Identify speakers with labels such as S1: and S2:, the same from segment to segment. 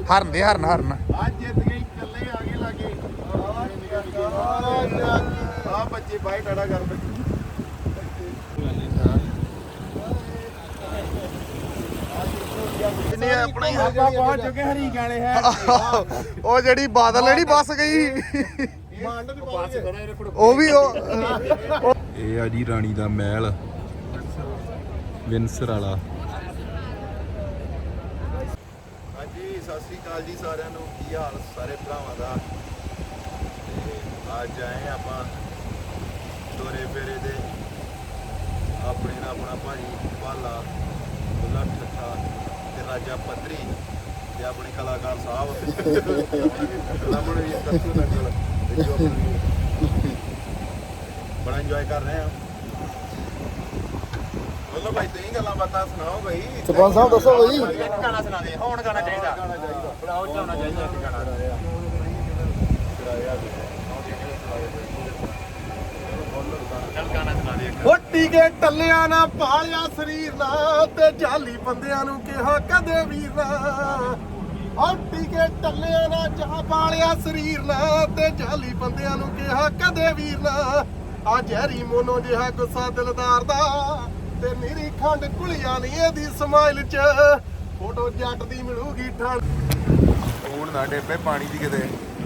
S1: ਹਰਨ ਦੇ ਹਰਨ
S2: ਅੱਜ ਜਿੱਤ ਗਈ ਇਕੱਲੇ ਆ ਗਏ ਲਾਗੇ ਆ ਬੱਚੇ ਬਾਈ ਟਾੜਾ ਕਰਦੇ
S1: ਇਹਨੇ ਆਪਣਾ ਹੀ
S2: ਆਪਾਂ ਪਹੁੰਚ ਚੁੱਕੇ ਹਰੀ ਗਾਲੇ ਹੈ
S1: ਉਹ ਜਿਹੜੀ ਬਾਦਲ ਜਿਹੜੀ ਬੱਸ ਗਈ ਉਹ ਵੀ ਇਹ ਆ ਜੀ ਰਾਣੀ ਦਾ ਮਹਿਲ ਵਿੰਸਰ ਵਾਲਾ।
S2: ਹਾਂਜੀ ਸਤਿ ਸ੍ਰੀ ਅਕਾਲ ਜੀ ਸਾਰਿਆਂ ਨੂੰ, ਕੀ ਹਾਲ ਸਾਰੇ ਭਰਾਵਾਂ ਦਾ। ਅੱਜ ਆਏ ਆਪਾਂ ਦੋਰੇ ਫੇਰੇ ਦੇ ਆਪਣੇ ਨਾਲ ਆਪਣਾ ਭਾਜੀ ਭਾਲਾ ਬੁੱਲਾ ਠੱਠਾ ਤੇ ਰਾਜਾ ਪੱਧਰੀ ਤੇ ਆਪਣੇ ਕਲਾਕਾਰ ਸਾਹਿਬ ਲਮਣ ਵੀ ਦੱਸੂ ਨਕਲ ਜੋ ਆਪਣੀ ਬੜਾ ਇੰਜੋਏ ਕਰ ਰਹੇ ਆ। ਬੋਲੋ ਭਾਈ ਤੁਸੀਂ ਗੱਲਾਂ ਬਾਤਾਂ ਸੁਣਾਓ ਭਾਈ।
S3: ਸਰਪੰਚ ਸਾਹਿਬ ਦੱਸੋ ਭਾਈ।
S2: ਗਾਣਾ ਸੁਣਾ ਦੇ ਹੁਣ ਗਾਣਾ ਚਾਹੀਦਾ ਬਣਾਓ ਚਾਹਣਾ ਚਾਹੀਦਾ ਇੱਕ ਗਾਣਾ ਚੱਲ ਗਾਣਾ ਸੁਣਾ ਦੇ ਇੱਕ।
S3: ਹੋਟੀ ਕੇ ਟੱਲਿਆਂ ਨਾ ਪਾਲਿਆ ਸਰੀਰ ਨਾ ਤੇ ਜਾਲੀ ਬੰਦਿਆਂ ਨੂੰ ਕਿਹਾ ਕਦੇ ਵੀਰ ਨਾ। ਹੋਟੀ ਕੇ ਟੱਲਿਆਂ ਨਾ ਜਾ ਪਾਲਿਆ ਸਰੀਰ ਨਾ ਤੇ ਜਾਲੀ ਬੰਦਿਆਂ ਨੂੰ ਕਿਹਾ ਕਦੇ ਵੀਰ ਨਾ। ਆ ਜ਼ਹਿਰੀ ਮੋਨੋ ਜਿਹਾ ਗੁੱਸਾ ਦਿਲਦਾਰ ਦਾ ਤੇ ਨੀਰੀ ਖੰਡ ਕੁਲੀਆਂ ਨਹੀਂ ਇਹਦੀ ਸਮਾਈਲ ਚ ਫੋਟੋ ਜੱਟ ਦੀ ਮਿਲੂਗੀ ਠੰਡ।
S2: ਹੁਣ ਨਾ ਡੇਪੇ ਪਾਣੀ ਦੀ ਕਿਤੇ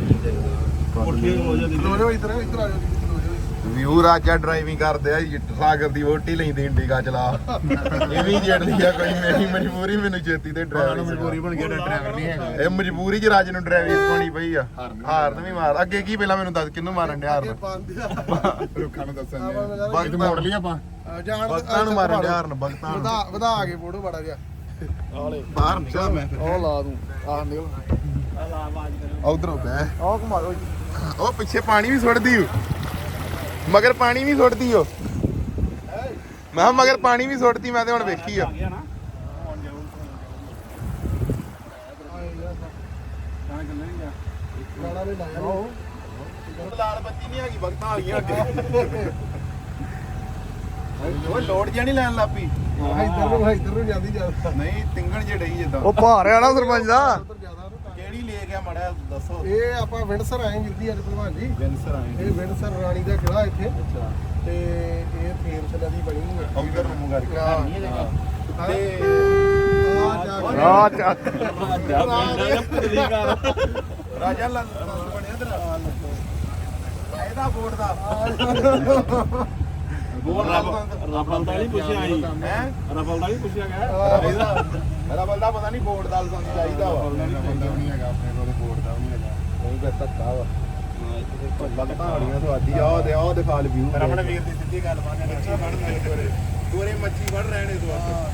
S3: ਲੋ ਜਾਓ ਇੱਧਰ ਆ ਜਾਓ।
S2: ਵਿਊ ਰਾਜਾ ਡਰਾਈਵਿੰਗ ਕਰਦੇ ਆ ਸਾਗਰ ਦੀ ਵੋਟੀ ਲੈਂਦੀ ਇੰਡੀਕਾ ਚਲਾ ਇਹ ਵੀ ਜੜਦੀ ਆ ਕੋਈ ਮੇਰੀ ਮਜਬੂਰੀ ਮੈਨੂੰ ਛੇਤੀ ਤੇ ਡਰਾਈਵਰ
S3: ਮਜਬੂਰੀ ਬਣ ਗਿਆ ਡਰਾਈਵਰ ਨਹੀਂ ਹੈਗਾ।
S2: ਇਹ ਮਜਬੂਰੀ ਚ ਰਾਜ ਨੂੰ ਡਰਾਈਵਿੰਗ ਸਿਖਾਉਣੀ ਪਈ ਆ। ਹਾਰਨ ਵੀ ਮਾਰ ਅੱਗੇ ਕੀ ਪਹਿਲਾਂ ਮੈਨੂੰ ਦੱਸ ਕਿਹਨੂੰ ਮਾਰਨ ਡਿਆ ਹਾਰਨ
S3: ਲੋਕਾਂ ਨੂੰ ਦੱਸਣ
S2: ਬਗਤ ਮੋੜ ਲਈ ਆਪਾਂ ਬਗਤਾਂ ਨੂੰ ਮਾਰਨ ਡਿਆ ਹਾਰਨ ਬਗਤਾਂ ਨੂੰ
S3: ਵਧਾ ਕੇ ਫੋਟੋ ਬੜਾ ਜਿਹਾ
S2: ਬਾਹਰ ਨਿਕਲ ਮੈਂ
S3: ਉਹ ਲਾ ਦੂੰ ਆਹ ਨਿਕਲ
S2: ਉਧਰ ਬਹਿ
S3: ਆਹ ਘੁਮਾਓ ਜੀ।
S2: ਉਹ ਪਿੱਛੇ ਪਾਣੀ ਵੀ ਸੁੱਟਦੀ ਓ ਮਗਰ ਪਾਣੀ ਵੀ ਸੁੱਟਦੀ ਓ ਮੈਂ ਕਿਹਾ ਮਗਰ ਪਾਣੀ ਵੀ ਸੁੱਟਦੀ ਮੈਂ ਤੇ ਹੁਣ ਵੇਖੀ ਆ
S3: ਗਾਣਾ ਵੀ ਲਾਇਆ ਉਹ
S2: ਲਾਲ ਬੱਤੀ ਨਹੀਂ ਹੈਗੀ ਬਗਤਾਂ ਆ ਗਈਆਂ ਅੱਗੇ ਉਹ ਲੋਡ ਜਿਹਾ ਨਹੀਂ ਲੈਣ ਲੱਪੀ
S3: ਇੱਧਰ ਨੂੰ ਜਾਂਦੀ ਜ਼ਿਆਦਾ
S2: ਨਹੀਂ ਤਿੰਗਣ ਜੇ ਡਈ ਜਿੱਦਾਂ
S1: ਉਹ ਭਾਰ ਆ ਨਾ ਸਰਪੰਚ ਦਾ।
S3: ਉੱਧਰ ਜ਼ਿਆਦਾ ਨਾ।
S2: ਕਿਹੜੀ ਲੈ ਗਿਆ ਮੜਾ ਦੱਸੋ
S3: ਇਹ ਆਪਾਂ ਵਿੰਡਸਰ ਆਏ ਵੀਰ ਜੀ ਅੱਜ ਭਲਵਾਨ ਜੀ।
S2: ਜੈਂਸਰ ਆਏ
S3: ਇਹ ਵਿੰਡਸਰ ਰਾਣੀ ਦਾ ਕਿਲਾ ਇੱਥੇ
S2: ਅੱਛਾ
S3: ਤੇ ਇਹ ਥੇਮਸ ਨਦੀ ਬਣੀ ਹੋਈ ਹੈ
S2: ਉਧਰ ਨੂੰ ਮੂੰਹ ਕਰਕੇ ਤੇ
S1: ਆ ਚੱਕ
S2: ਰਾਜਾ ਲਾਲ ਬਣਿਆ ਤੇਰਾ ਇਹਦਾ ਬੋਰਡ ਦਾ
S4: ਰਫਲ ਦਾ ਨਹੀਂ ਪੁੱਛਿਆ ਆਈ
S2: ਹੈ
S4: ਰਫਲ ਦਾ ਨਹੀਂ ਪੁੱਛਿਆ ਗਿਆ
S2: ਇਹਦਾ ਮੇਰਾ ਬੰਦਾ ਪਤਾ ਨਹੀਂ ਬੋਰਡ ਦਾ ਲਾਇਸੈਂਸ ਚਾਹੀਦਾ ਵਾ
S3: ਨਹੀਂ ਹੈਗਾ ਆਪਣੇ ਕੋਲ ਬੋਰਡ ਦਾ ਨਹੀਂ ਹੈਗਾ
S2: ਨਹੀਂ ਫਿਰ ਧੱਕਾ ਵਾ ਬਗਤਾਂ ਵਾਲੀਆਂ ਤੁਹਾਡੀ ਆਹ ਦਿਖਾ ਲ ਵਿਊ ਪਰ ਆਪਣੇ ਵੀਰ ਦੀ ਸਿੱਧੀ ਗੱਲ ਮੰਨ ਮੱਛੀ ਫੜ ਦੋਰੇ ਮੱਛੀ ਫੜ ਰਹੇ ਨੇ ਇਸ ਵਾਸਤੇ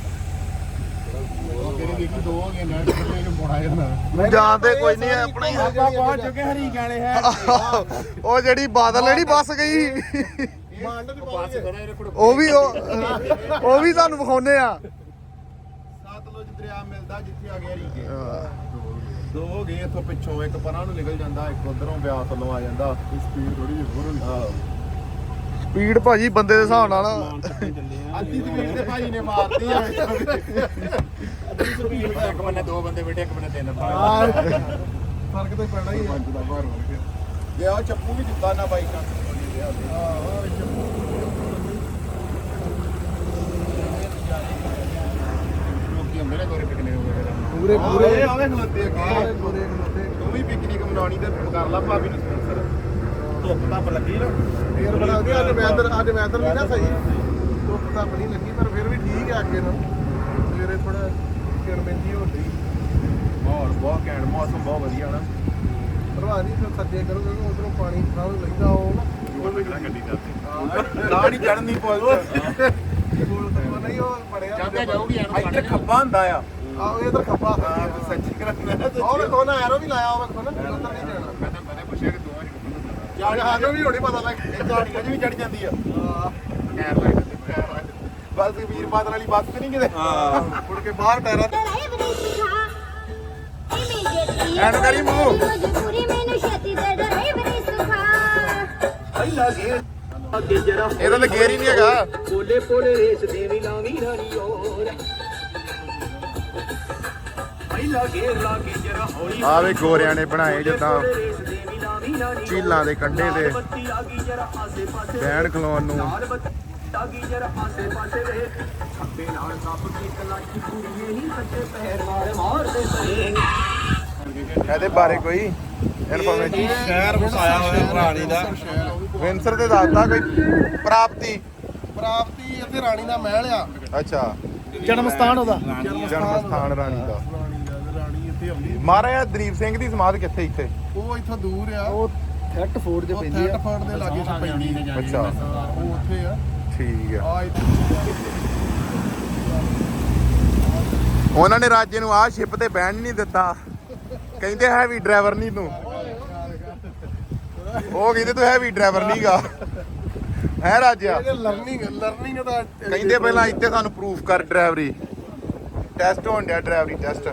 S3: ਉਹ ਕਿਹੜੇ ਦੇਖੀ ਦੋ ਹੋ ਗਏ ਨੈਟ ਤੇ ਇਹਨੂੰ ਪੋਣਾ ਜਾਂਦਾ
S1: ਜਾਣਦੇ ਕੋਈ ਨਹੀਂ ਆਪਣਾ ਹੀ
S2: ਆਪਾਂ ਪਹੁੰਚ ਚੁੱਕੇ ਹਰੀ ਗਾਲੇ ਹੈ
S1: ਉਹ ਜਿਹੜੀ ਬਾਦਲ ਜਿਹੜੀ ਬੱਸ ਗਈ
S3: ਮੰਡ ਦੀ ਪਾਸ
S1: ਉਹ ਵੀ ਤੁਹਾਨੂੰ ਵਿਖਾਉਨੇ ਆ।
S2: ਸਤਲੁਜ ਦਰਿਆ ਮਿਲਦਾ ਜਿੱਥੇ ਆ ਗਿਆ ਰੀਕੇ ਦੋ ਹੋ ਗਏ ਇੱਥੋਂ ਪਿੱਛੋਂ ਇੱਕ ਪਰਾਂ ਨੂੰ ਨਿਕਲ ਜਾਂਦਾ ਇੱਕ ਉਧਰੋਂ ਬਿਆਸ ਵੱਲੋਂ ਆ ਜਾਂਦਾ
S3: ਸਪੀਡ ਥੋੜੀ ਜਿਹੀ ਹੋਰ ਹੁੰਦੀ
S1: ਸਪੀਡ ਭਾਜੀ ਬੰਦੇ ਦੇ ਹਿਸਾਬ ਨਾਲ
S2: ਅੱਧੀ ਸਪੀਡ ਤੇ ਭਾਜੀ ਨੇ ਮਾਰਤੀ ਆ
S4: ਅੱਧੀ ਸਪੀਡ ਇੱਕ ਬੰਨੇ ਦੋ ਬੰਦੇ ਬੈਠੇ ਇੱਕ ਬੰਨੇ ਤਿੰਨ
S3: ਫਰਕ ਤਾਂ ਪੈਣਾ ਹੀ ਹੈ।
S2: ਜੇ ਉਹ ਚੱਪੂ ਵੀ ਦਿੱਤਾ ਨਾ ਬਾਈਕਾਂ
S3: ਲੋਕੀ ਹੁੰਦੇ ਨੇ ਗੋਰੇ ਪਿਕਨਿਕ ਵਗੈਰਾ
S2: ਪੂਰੇ ਪੂਰੇ ਆਵੇ ਖਲੋਤੇ
S3: ਪੂਰੇ ਖਲੋਤੇ
S2: ਤੂੰ ਵੀ ਪਿਕਨਿਕ ਮਨਾਉਣੀ ਤੇ ਕਰ ਲਾ ਭਾਬੀ ਨੂੰ ਸਪਾਂਸਰ ਧੁੱਪ ਤਾਂ ਲੱਗੀ ਨਾ
S3: ਫੇਰ ਬਣਾ ਕੇ ਅੱਜ ਵੈਦਰ ਨਹੀਂ ਨਾ ਸਹੀ ਧੁੱਪ ਤਾਂ ਬਣੀ ਲੱਗੀ ਪਰ ਫਿਰ ਵੀ ਠੀਕ ਹੈ ਅੱਗੇ ਨੂੰ ਸਵੇਰੇ ਥੋੜਾ ਕਿਰਮਿੰਦੀ ਹੋ ਰਹੀ
S2: ਮਾਹੌਲ ਬਹੁਤ ਘੈਂਟ ਮੌਸਮ ਬਹੁਤ ਵਧੀਆ ਨਾ
S3: ਭਲਵਾਨ ਜੀ ਫਿਰ ਸੱਜੇ ਕਰੋਗੇ ਉਧਰੋਂ ਪਾਣੀ ਥਾਂ ਨੂੰ ਲੈਂਦਾ ਉਹ ਨਾ
S4: ਗੱਡੀ ਚੱਲਦੀ
S2: ਨਾ ਨਹੀਂ ਚੜਨੀ ਪੁੱਲ
S3: ਕੋਲ ਤਾਂ ਨਹੀਂ ਉਹ ਬੜਿਆ
S4: ਜਾਂਦੇ ਜਾਊਗੀ
S2: ਇੱਧਰ ਖੱਬਾ ਹੁੰਦਾ ਆ
S3: ਆਹ ਇਧਰ ਖੱਬਾ
S2: ਹਾਂ ਸੱਚੀ ਕਰਨਾ
S3: ਉਹ ਕੋਨਾ ਐਰੋ ਵੀ ਲਾਇਆ ਹੋਵੇ ਕੋਨਾ ਉਧਰ ਨਹੀਂ ਜਾਣਾ
S4: ਮੈਂ ਪੁੱਛਿਆ ਕਿ ਦੋਵਾਂ ਚ
S3: ਜਾ ਕੇ ਸਾਨੂੰ ਵੀ ਹੋਣੀ ਪਤਾ ਲੱਗ
S2: ਇਹ ਝਾੜੀਆਂ 'ਚ ਵੀ ਚੜ ਜਾਂਦੀ ਆ
S4: ਟਾਇਰ ਲਾਈਟ ਤੇ
S2: ਬਸ ਵੀਰ ਬਾਦਲ ਵਾਲੀ ਬੱਸ ਤੇ ਨਹੀਂ ਕਿਤੇ
S3: ਮੁੜ ਕੇ ਬਾਹਰ ਟਾਇਰਾਂ ਤੇ
S2: ਐਨ ਕਰੀ ਮੂੰਹ ਇਹਦਾ ਤਾਂ ਗੇਰ ਹੀ ਨਹੀਂ ਹੈਗਾ
S5: ਪੋਲੇ ਪੋਲੇ ਰੇਸ ਦੇਵੀ ਲਾਵੀ ਰਾਣੀ ਔਰ
S1: ਆ ਵੇ ਗੋਰਿਆਂ ਨੇ ਬਣਾਏ ਜਿੱਦਾਂ ਝੀਲਾਂ ਦੇ ਕੰਢੇ ਤੇ ਬਹਿਣ ਖਲੋਣ ਨੂੰ। ਇਹਦੇ ਬਾਰੇ ਕੋਈ ਇਨਫੋਰਮੇਸ਼ਨ?
S2: ਸ਼ਹਿਰ ਵਸਾਇਆ ਹੋਇਆ ਰਾਣੀ ਦਾ।
S1: ਵਿੰਸਰ ਤੇ ਦੱਸਦਾ ਕੋਈ ਪ੍ਰਾਪਤੀ?
S3: ਪ੍ਰਾਪਤੀ ਇੱਥੇ ਰਾਣੀ ਦਾ ਮਹਿਲ ਆ।
S1: ਅੱਛਾ,
S4: ਜਨਮ ਸਥਾਨ ਉਹਦਾ।
S1: ਜਨਮ ਸਥਾਨ ਰਾਣੀ ਦਾ।
S3: ਰਾਣੀ ਇੱਥੇ ਆਉਂਦੀ।
S1: ਮਹਾਰਾਜਾ ਦਲੀਪ ਸਿੰਘ ਦੀ ਸਮਾਧ ਕਿੱਥੇ ਇੱਥੇ?
S3: ਉਹ ਇੱਥੋਂ ਦੂਰ ਆ।
S4: ਉਹ ਥੈਟਫੋਰਡ ਦੇ
S3: ਉਹ
S4: ਪੈਂਦੀ ਆ।
S3: ਥੈਟਫੋਰਡ ਦੇ ਲਾਗੇ ਚ ਪੈਂਦੀ ਆ।
S1: ਅੱਛਾ,
S3: ਉਹ ਉੱਥੇ ਆ।
S1: ਠੀਕ ਆ।
S3: ਆ ਇੱਥੇ
S1: ਉਹਨਾਂ ਨੇ ਰਾਜੇ ਨੂੰ ਆਹ ਸ਼ਿਪ ਤੇ ਬਹਿਣ ਨਹੀਂ ਦਿੱਤਾ, ਕਹਿੰਦੇ ਹੈਵੀ ਡਰਾਈਵਰ ਨਹੀਂ ਤੂੰ। ਉਹ ਕਹਿੰਦੇ ਤੂੰ ਹੈਵੀ ਡਰਾਈਵਰ ਨਹੀਂਗਾ ਹੈ ਰਾਜਾ।
S3: ਲਰਨਿੰਗ ਦਾ
S1: ਕਹਿੰਦੇ ਪਹਿਲਾਂ ਇੱਥੇ ਸਾਨੂੰ ਪ੍ਰੂਫ ਕਰ ਡਰਾਈਵਰੀ ਟੈਸਟ ਹੋਣ ਡਿਆ, ਡਰਾਈਵਰੀ ਟੈਸਟ।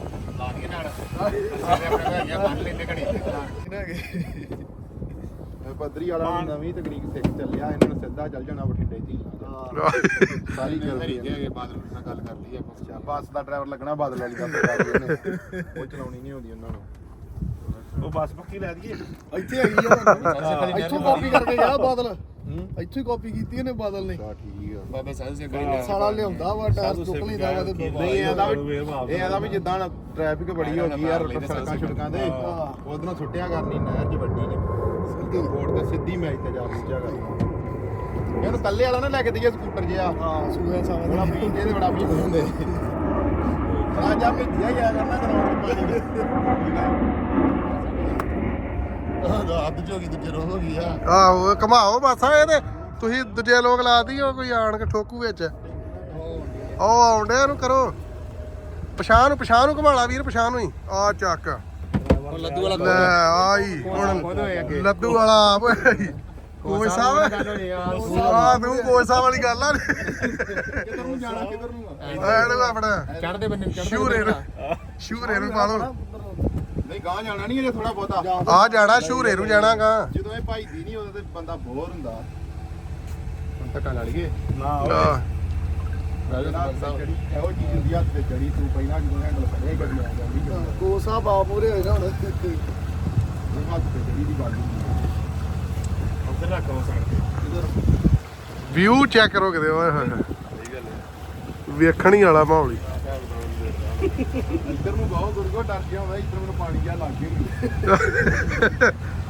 S1: ਪੱਧਰੀ ਵਾਲਾ ਨਵੀਂ ਤਕਨੀਕ ਸਿੱਖ ਚੱਲਿਆ, ਇਹਨਾਂ ਨੂੰ ਸਿੱਧਾ ਚੱਲ ਜਾਣਾ ਬਠਿੰਡੇ ਝੀਲਾਂ ਸਾਰੀ ਕਰਦੀ ਹੈ।
S4: ਬਾਦਲ ਨਾਲ ਗੱਲ ਕਰ ਲਈ ਆਪਾਂ।
S1: ਅੱਛਾ, ਬੱਸ ਦਾ ਡਰਾਈਵਰ ਲੱਗਣਾ ਬਾਦਲ ਵਾਲੀ ਦਾ ਉਹ ਚਲਾਉਣੀ ਨਹੀਂ ਆਉਂਦੀ ਉਹਨਾਂ ਨੂੰ।
S2: ਉਹ ਬੱਸ ਪੱਕੀ ਲੈ ਦਈਏ।
S3: ਇੱਥੇ ਹੈਗੀ ਆ। ਇੱਥੋਂ ਕਾਪੀ ਕਰਕੇ ਗਿਆ ਬਾਦਲ। ਇੱਥੋਂ ਹੀ ਕਾਪੀ ਕੀਤੀ ਇਹਨੇ ਬਾਦਲ ਨੇ।
S1: ਠੀਕ ਆ।
S4: ਬਾਬਾ ਸਾਹਿਬ ਸਿੰਘ ਕਰੀ
S3: ਸਾਲਾ ਲਿਆਉਂਦਾ ਵਾ ਟਾਇਰ ਚੁੱਕ ਲਈਦਾ ਵਾ ਤੇ
S1: ਨਹੀਂ ਇਹਦਾ ਵੀ ਜਿੱਦਾਂ ਟ੍ਰੈਫਿਕ ਬੜੀ ਹੋ ਗਈ ਯਾਰ ਸੜਕਾਂ ਛੜਕਾਂ ਤੇ ਉਧਰੋਂ ਛੁੱਟਿਆ ਕਰਨੀ ਨਹਿਰ 'ਚ ਵੱਡੀ ਨੇ ਸਿੱਧੀ ਬੋਰਡ ਤੇ ਸਿੱਧੀ ਮੈਚ ਤੇ ਜਾ ਪੁੱਜਿਆ ਕਰਨੀ। ਇਹਨੂੰ ਕੱਲੇ ਵਾਲਾ ਨਾ ਲੈ ਕੇ ਦਈਏ ਸਕੂਟਰ ਜਿਹਾ।
S3: ਹਾਂ ਸੂਆ ਸਾਵਾ
S1: ਬੜਾ ਪੀਂਦੇ ਤੇ ਬੜਾ ਪੀਂਦੇ ਹੁੰਦੇ ਰਾਜਾ ਭੇਜਿਆ ਗਿਆ ਕਰਨਾ
S4: ਅੱਧ ਝੋਗੀ ਦੂਜੇ ਰੋਹ ਹੋ ਗਈ ਆ।
S3: ਆਹੋ ਘਮਾਓ ਬਸ ਇਹਦੇ। ਤੁਸੀਂ ਦੂਜੇ ਲੋਕ ਲਾਤੀ ਹੋ, ਕੋਈ ਆਣ ਕੇ ਠੋਕੂ ਵਿੱਚ। ਉਹ ਆਉਂਦੇ ਇਹਨੂੰ ਕਰੋ ਪਛਾਣ ਨੂੰ ਘਮਾਲਾ ਵੀਰ, ਪਛਾਣ ਨੂੰ ਹੀ ਆ ਚੱਕ
S4: ਲੱਦੂ ਵਾਲਾ
S3: ਲੈ ਆਈ ਹੁਣ ਲੱਦੂ ਵਾਲਾ ਕੋਚ ਸਾਹਿਬ ਆ ਤੂੰ ਕੋਚ ਸਾਹਿਬ ਵਾਲੀ ਗੱਲ ਆ।
S1: ਕਿੱਧਰ ਨੂੰ ਜਾਣਾ ਕਿੱਧਰ ਨੂੰ
S3: ਇਹਨੂੰ ਆਪਣਾ
S4: ਚੜਦੇ ਬੰਨੇ
S3: ਸ਼ੂਰੇ ਨੂੰ ਪਾ ਲਓ।
S1: ਨਹੀਂ ਗਾਂ ਜਾਣਾ ਨਹੀਂ, ਅਜੇ ਥੋੜਾ ਬਹੁਤਾ
S3: ਆ ਜਾਣਾ ਸ਼ੂਰੇ ਨੂੰ ਜਾਣਾ ਗਾ।
S1: ਜਦੋਂ ਇਹ ਭਾਈ ਦੀ ਨਹੀਂ ਉਹਦਾ ਤੇ ਬੰਦਾ ਬੋਰ ਹੁੰਦਾ। ਹੁਣ ਧੱਕਾ ਲਾ ਲਈਏ
S3: ਆਹ,
S1: ਇਹੋ ਚੀਜ਼ ਹੁੰਦੀ ਹੱਥ ਤੇ ਚੜੀ ਤੂੰ ਪਹਿਲਾਂ ਜਦੋਂ ਹੈਂਡਲ ਫੜਿਆ ਗੱਡੀ ਆ ਜਾਂਦੀ
S3: ਕੋਚ ਸਾਹਿਬ ਆ ਪੂਰੇ ਹੋਏ ਨਾ ਹੁਣ।
S1: ਉਹ ਹੱਥ ਤੇ ਚੜੀ ਦੀ ਗੱਲ ਹੁੰਦੀ
S2: ਉੱਧਰ ਰੱਖ ਉਹ ਸਾਈਡ
S3: ਵਿਊ ਚੈੱਕ ਕਰੋ ਕਿਤੇ ਓਏ ਹੋਏ ਹੋਏ। ਵੇਖਣ ਹੀ ਵਾਲਾ ਮਾਹੌਲ ਹੀ।
S1: ਇੱਧਰ ਨੂੰ ਬਹੁਤ ਗੁਰਗੋ ਡਰ ਗਿਆ ਹੁੰਦਾ, ਇੱਧਰ ਮੈਨੂੰ ਪਾਣੀ ਜਿਹਾ ਲੱਗ ਗਿਆ।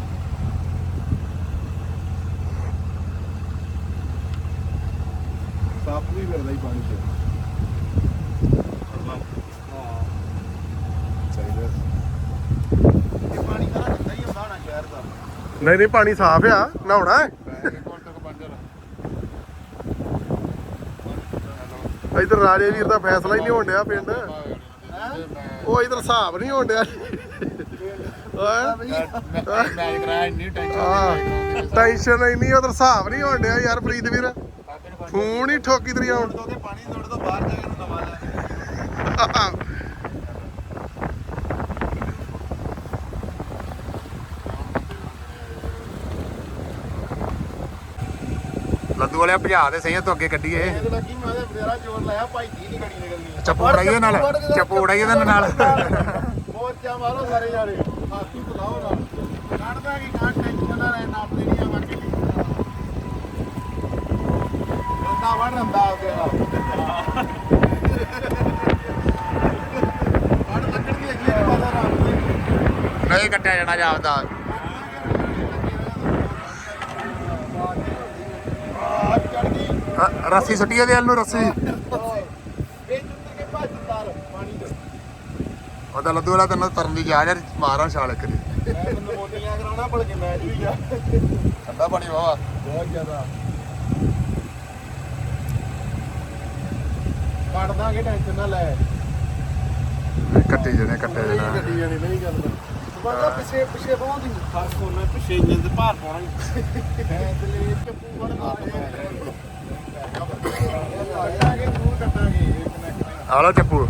S1: ਸੱਪ ਵੀ ਫਿਰਦਾ ਹੀ ਪਾਣੀ 'ਚ। ਚਾਹੀਦਾ ਇਹ ਪਾਣੀ ਤਾਂ ਗੰਦਾ ਹੀ ਹੁੰਦਾ ਹੋਣਾ ਸ਼ਹਿਰ ਦਾ।
S3: ਨਹੀਂ ਪਾਣੀ ਸਾਫ਼ ਆ, ਨਹਾਉਣਾ ਹੈ। ਇਧਰ ਰਾਜੇ ਵੀਰ ਦਾ ਫੈਸਲਾ ਹੀ ਨਹੀਂ ਹੋਣ ਡਿਆ ਪਿੰਡ। ਉਹ ਇਧਰ ਹਿਸਾਬ ਨਹੀਂ ਹੋਣ ਡਿਆ।
S4: ਮੈਚ ਕਰਾਇਆ ਇੰਨੀ ਟੈਨਸ਼ਨ।
S3: ਟੈਨਸ਼ਨ ਇੰਨੀ ਉਧਰ ਹਿਸਾਬ ਨਹੀਂ ਹੋਣ ਡਿਆ ਯਾਰ ਪ੍ਰੀਤ ਵੀਰ। ਫੋਨ ਹੀ ਠੋਕੀ ਤਰੀ ਆਉਣ।
S2: ਪਾਣੀ ਤੋੜ ਤੋਂ ਬਾਹਰ ਜਾ ਕੇ ਨਵਾ ਲੈ।
S1: ਲੱਦੂ ਵਾਲਿਆ ਭਜਾ ਦੇ ਸਹੀ ਤੋਂ ਅੱਗੇ ਕੱਢੀਏ।
S3: ਇਹ ਲੱਗੀ ਮੈਂ ਤੇ ਬਥੇਰਾ ਜ਼ੋਰ ਲਾਇਆ ਭਾਈ ਦੀ ਨਹੀਂ ਗੜੀ ਨਿਕਲਣੀ।
S1: ਚਪੂੜਾਈਏ ਨਾਲ ਚਪੂੜਾਈਏ ਦੇ ਨਾਲ
S3: ਮੋਰਚਾ ਮਾਰੋ ਸਾਰੇ ਯਾਰੇ। ਹਾਥੀ ਬੁਲਾਓ ਨਾਲ ਕੱਢਦਾ ਕਿ ਕਾਟ ਟੈਨਸ਼ਨ ਨਾ ਰਹਿ ਨਾਪ ਦੇਣੀ ਆ ਬਾਕੀ ਰੰਦਾ ਵੜ ਰੰਦਾ ਆ ਗਿਆ। ਵੜ ਲੱਕੜ ਦੀ ਅਗਲੀ ਪਤਾ ਰਾਤ ਦੀ
S1: ਨਹੀਂ ਕੱਟਿਆ ਜਾਣਾ ਜਾਪਦਾ। ਰੱਸੀ ਸੁੱਟੀ ਇਹਦੇ ਵੱਲ ਨੂੰ ਰੱਸੀ। ਉਹਦਾ ਲੱਦੂ ਵਾਲਾ ਤੈਨੂੰ ਤਰਨ ਦੀ ਜਾ ਯਾਰ ਮਾਰਾਂ ਛਾਲ ਕਰੀ।
S3: ਮੈਨੂੰ ਮੋਟੀਆਂ ਕਰਾਉਣਾ ਭਲ ਕੇ ਮੈਚ ਵੀ ਗਿਆ।
S1: ਠੰਡਾ ਪਾਣੀ ਵਾਵਾ
S3: ਬਹੁਤ ਜ਼ਿਆਦਾ ਕੱਢ ਦਾਂਗੇ ਟੈਨਸ਼ਨ ਨਾ ਲੈ।
S1: ਕੱਟੇ ਜਣੇ ਕੱਟੇ ਜਣਾ।
S3: ਗੱਡੀ ਜਾਣੀ ਨਹੀਂ ਗੱਲ ਬੰਦਾ ਪਿੱਛੇ ਪਹੁੰਚਦੀ
S2: ਫਰਕ ਹੋਣਾ ਪਿੱਛੇ ਇੰਜਨ ਤੇ ਭਾਰ ਪਾਉਣਾ।
S3: ਫੈਸਲੇ ਚੱਪੂ ਵੜਦਾ ਆਗੇ ਦੂਰ ਕੱਟਾਂਗੇ
S1: ਆ ਲੋ ਚੱਪੂ।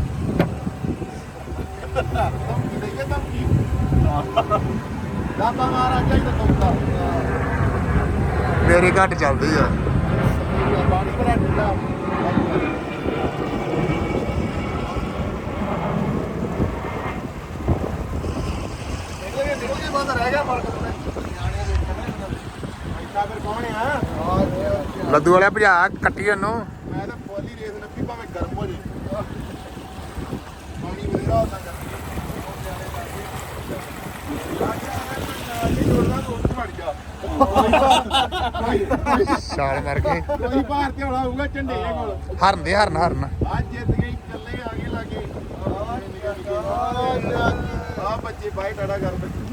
S3: ਦਾਤਾ ਮਹਾਰਾਜਾ ਹੀ ਤਾਂ ਤੋਤਾ
S1: ਮੇਰੀ ਘੱਟ ਚੱਲਦੀ ਆ।
S3: ਪਾਣੀ ਭਰਾ ਦਿੱਤਾ। ਰੁਪਏ ਦਾ ਰਹਿ ਗਿਆ ਫਰਕ ਤੇ
S1: ਐਸਾ ਫਿਰ ਕੌਣ ਆ
S4: ਲੱਦੂ ਵਾਲਿਆ ਭਜਾ ਕੱਟੀ ਉਹਨੂੰ।
S1: ਮੈਂ ਤਾਂ ਪੋਲੀ ਰੇਸ ਨੱਪੀ ਭਾਵੇਂ ਗਰਮ ਹੋ ਜੇ ਪਾਣੀ ਬਥੇਰਾ ਹੁੰਦਾ
S4: ਛਾਲ ਮਾਰ ਕੇ
S1: ਕੋਈ ਭਾਰ ਤੇ ਹੋਣਾ ਹੋਊਗਾ ਝੰਡੇ ਕੋਲ
S4: ਹਰਨ ਦੇ ਹਰਨ
S1: ਅੱਜ ਜਿੱਤ ਗਏ ਇਕੱਲੇ ਆ ਗਏ ਲਾਗੇ ਆ ਬੱਚੇ ਬਾਈ ਟਾੜਾ ਕਰ ਬੱਚੇ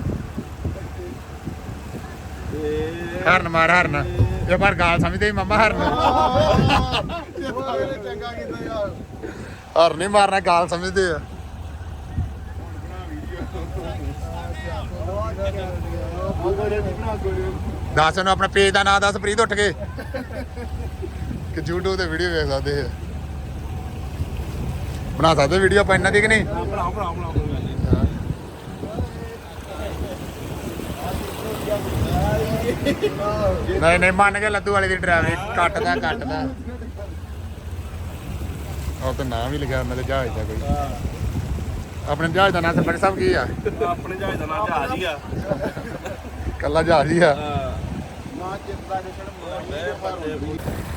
S4: ਹਰਨ ਮਾਰ ਹਰਨ ਇਹ ਪਰ ਗਾਲ ਸਮਝਦੇ ਸੀ ਮੰਮਾ ਹਰਨ
S1: ਚੰਗਾ ਕੀਤਾ ਯਾਰ
S4: ਹਰਨ ਨਹੀਂ ਮਾਰਨਾ ਗਾਲ ਸਮਝਦੇ ਆ। ਦੱਸ ਨੂੰ ਆਪਣਾ ਪੇਜ ਦਾ ਨਾਮ ਦੱਸ ਪ੍ਰੀਤ ਉੱਠ ਕੇ ਕਿ YouTube ਤੇ ਵੀਡੀਓ ਵੇਖ ਸਕਦੇ ਆ ਬਣਾ ਸਕਦੇ ਵੀਡੀਓ ਆਪਾਂ ਇਹਨਾਂ ਦੀ ਕਿ ਨਹੀਂ। ਨਹੀਂ ਮੰਨ ਕੇ ਲੱਦੂ ਵਾਲੇ ਦੀ ਡਰਾਈਵਰੀ ਕੱਟਦਾ ਉਹ ਤਾਂ ਨਾਮ ਵੀ ਲਿਖਿਆ ਉਹਨਾਂ ਦੇ ਜਹਾਜ਼ ਦਾ ਕੋਈ। ਆਪਣੇ ਜਹਾਜ਼ ਦਾ ਨਾਮ ਸਰਪੰਚ ਸਾਹਿਬ ਕੀ ਆ?
S2: ਆਪਣੇ ਜਹਾਜ਼ ਦਾ ਨਾਮ ਜਹਾਜ਼ ਹੀ ਆ।
S4: ਕੱਲਾ ਜਹਾਜ਼ ਹੀ ਆ।
S1: ਨਾ ਜਿੱਤਦਾ ਨਿਕਲ
S2: ਲਓ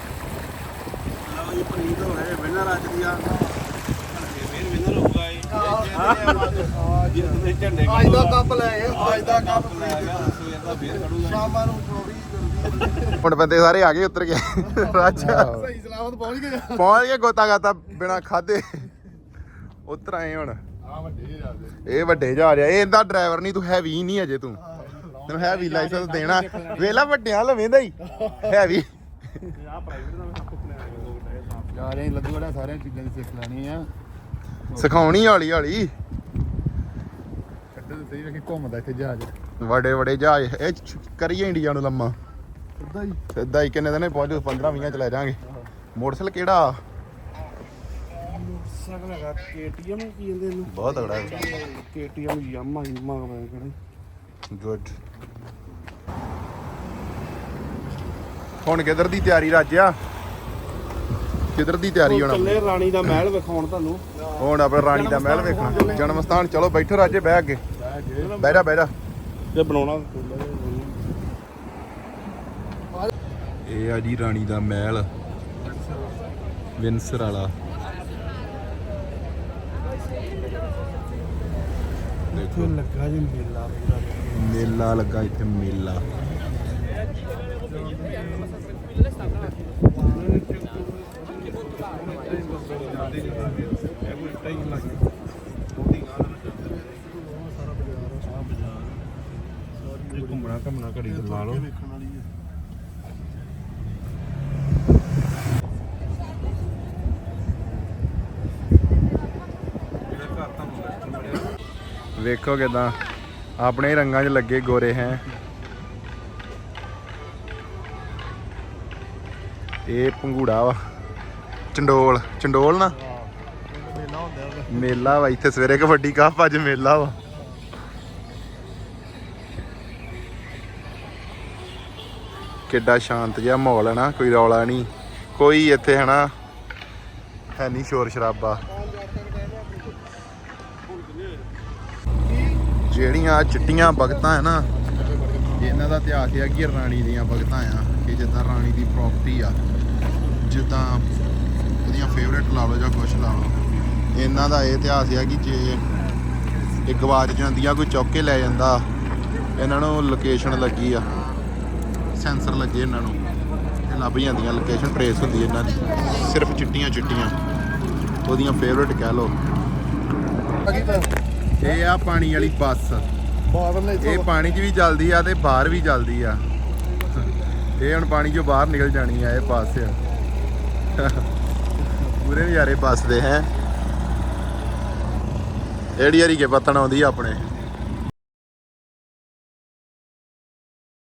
S2: ਜੀ ਪ੍ਰੀਤ ਹੋ ਗਏ ਵਿਨਰ ਅੱਜ ਦੀ ਆ। ਵਿਨਰ ਹੋਊਗਾ ਇਹ ਜਿੱਤਦੇ ਝੰਡੇ
S3: ਅੱਜ ਦਾ ਕੱਪ ਲੈ ਗਏ ਅੱਜ ਦਾ ਕੱਪ
S2: ਲੈ ਗਿਆ ਸਵੇਰ ਦਾ ਫੇਰ ਖੜੂਗਾ।
S3: ਸ਼ਾਮਾਂ ਨੂੰ ਜਲਦੀ
S4: ਹੁਣ ਬੰਦੇ ਸਾਰੇ ਆ ਗਏ ਉੱਤਰ ਗਏ ਰਾਜਾ
S3: ਸਹੀ ਸਲਾਮਤ ਪਹੁੰਚ ਗਏ
S4: ਪਹੁੰਚ ਗਏ ਗੋਤਾ ਗਾਤਾ ਬਿਨਾ ਖਾਦੇ ਉੱਤਰ ਆਏ ਹੁਣ।
S1: ਆ ਵੱਡੇ ਜਾਂਦੇ
S4: ਇਹ ਵੱਡੇ ਜਹਾਜ਼ ਆ। ਇਹ ਇਹਦਾ ਡਰਾਈਵਰ ਨਹੀਂ ਤੂੰ ਹੈਵੀ ਨਹੀਂ ਅਜੇ ਤੂੰ ਤੈਨੂੰ ਹੈਵੀ ਲਾਇਸੈਂਸ ਦੇਣਾ ਵੇਲਾ ਵੱਡਿਆਂ ਲਵੇਂਦਾ ਹੀ ਹੈਵੀ
S1: ਜਾ ਰਹੇ ਲੱਡੂ ਵਾਲਾ ਸਾਰੀਆਂ ਚੀਜ਼ਾਂ ਦੀ ਸਿੱਖ ਲੈਣੀ ਆ
S4: ਸਿਖਾਉਣੀ ਹੌਲੀ ਹੌਲੀ।
S1: ਕੱਢੇ ਸਹੀ ਵੇਖੀ ਘੁੰਮਦਾ ਇੱਥੇ ਜਹਾਜ਼
S4: ਵੱਡੇ ਜਹਾਜ਼ ਇਹ ਕਰੀਏ ਇੰਡੀਆ ਨੂੰ ਲੰਮਾ
S1: ਸਿੱਧਾ ਹੀ
S4: ਸਿੱਧਾ ਹੀ ਕਿੰਨੇ ਦਿਨ ਪਹੁੰਚ 15-20 ਚ ਲੈ ਜਾਾਂਗੇ। ਮੋਟਰਸਾਈਕਲ ਕਿਹੜਾ
S3: ਸਕਲ ਹੈਗਾ KTM ਕੀ ਕਹਿੰਦੇ ਇਹਨੂੰ
S4: ਬਹੁਤ ਤਗੜਾ
S3: KTM ਯਾਮਾ ਕਿਹੜਾ
S4: ਗੁੱਡ। ਹੁਣ ਕਿੱਧਰ ਦੀ ਤਿਆਰੀ ਰਾਜਿਆ? ਕਿੱਧਰ ਦੀ ਤਿਆਰੀ ਹੋਣਾ?
S3: ਚੱਲੇ ਰਾਣੀ ਦਾ ਮਹਿਲ ਵਿਖਾਉਣ ਤੁਹਾਨੂੰ।
S4: ਹੁਣ ਆਪਣੇ ਰਾਣੀ ਦਾ ਮਹਿਲ ਵੇਖਣਾ ਜਨਮ ਸਥਾਨ। ਚਲੋ ਬੈਠੋ ਰਾਜੇ ਬਹਿ ਅੱਗੇ ਬਹਿ ਜਾ।
S3: ਇਹ ਬਣਾਉਣਾ
S4: ਇਹ ਆ ਜੀ ਰਾਣੀ ਦਾ ਮਹਿਲ ਵਿੰਸਰ ਵਾਲਾ। ਦੇਖੋ
S3: ਲੱਗਾ ਜੀ ਮੇਲਾ ਪੂਰਾ
S4: ਮੇਲਾ ਲੱਗਾ ਇੱਥੇ ਮੇਲਾ।
S3: ਘੁੰਮਣਾ ਘੜੀ ਲਾ ਲਓ ਵੇਖਣ ਵਾਲੀ ਹੈ।
S4: ਵੇਖੋ ਕਿਦਾਂ ਆਪਣੇ ਰੰਗਾਂ 'ਚ ਲੱਗੇ ਗੋਰੇ ਹੈ। ਇਹ ਪੰਗੂੜਾ ਵਾ ਚੰਡੋਲ ਨਾ ਮੇਲਾ ਵਾ ਇੱਥੇ ਸਵੇਰੇ ਕਬੱਡੀ ਕੱਪ ਅੱਜ ਮੇਲਾ ਵਾ। ਕਿੱਡਾ ਸ਼ਾਂਤ ਜਿਹਾ ਮਾਹੌਲ ਹੈ ਨਾ ਕੋਈ ਰੌਲਾ ਨਹੀਂ ਕੋਈ ਇੱਥੇ ਹੈ ਨਾ ਹੈ ਨਹੀਂ ਸ਼ੋਰ ਸ਼ਰਾਬਾ। ਜਿਹੜੀਆਂ ਚਿੱਟੀਆਂ ਬਗਤਾਂ ਹੈ ਨਾ ਇਹਨਾਂ ਦਾ ਇਤਿਹਾਸ ਹੈ ਕਿ ਰਾਣੀ ਦੀਆਂ ਬਗਤਾਂ ਆ ਕਿ ਜਿੱਦਾਂ ਰਾਣੀ ਦੀ ਪ੍ਰੋਪਰਟੀ ਆ ਜਿੱਦਾਂ ਉਹਦੀਆਂ ਫੇਵਰੇਟ ਲਾ ਲਓ ਜਾਂ ਕੁਛ ਲਾ ਲਓ। ਇਹਨਾਂ ਦਾ ਇਹ ਇਤਿਹਾਸ ਹੈ ਕਿ ਜੇ ਇਹ ਗਵਾਚ ਜਾਂਦੀਆਂ ਕੋਈ ਚੁੱਕ ਕੇ ਲੈ ਜਾਂਦਾ ਇਹਨਾਂ ਨੂੰ ਲੋਕੇਸ਼ਨ ਲੱਗੀ ਆ ਸੈਂਸਰ ਲੱਗੇ ਇਹਨਾਂ ਨੂੰ ਇਹ ਲੱਭ ਜਾਂਦੀਆਂ ਲੋਕੇਸ਼ਨ ਟਰੇਸ ਹੁੰਦੀ ਇਹਨਾਂ ਦੀ ਸਿਰਫ ਚਿੱਟੀਆਂ ਉਹਦੀਆਂ ਫੇਵਰੇਟ ਕਹਿ ਲਓ। ਇਹ ਆ ਪਾਣੀ ਵਾਲੀ ਬੱਸ ਇਹ ਪਾਣੀ 'ਚ ਵੀ ਚੱਲਦੀ ਆ ਤੇ ਬਾਹਰ ਵੀ ਚੱਲਦੀ ਆ। ਇਹ ਹੁਣ ਪਾਣੀ 'ਚੋਂ ਬਾਹਰ ਨਿਕਲ ਜਾਣੀ ਆ ਇਹ ਬੱਸ ਪੂਰੇ ਨਜ਼ਾਰੇ ਬੱਸ ਦੇ ਹੈ। ਏੜੀ ਹਰੀ ਕੇ ਪੱਤਣ ਆਉਂਦੀ ਆ ਆਪਣੇ।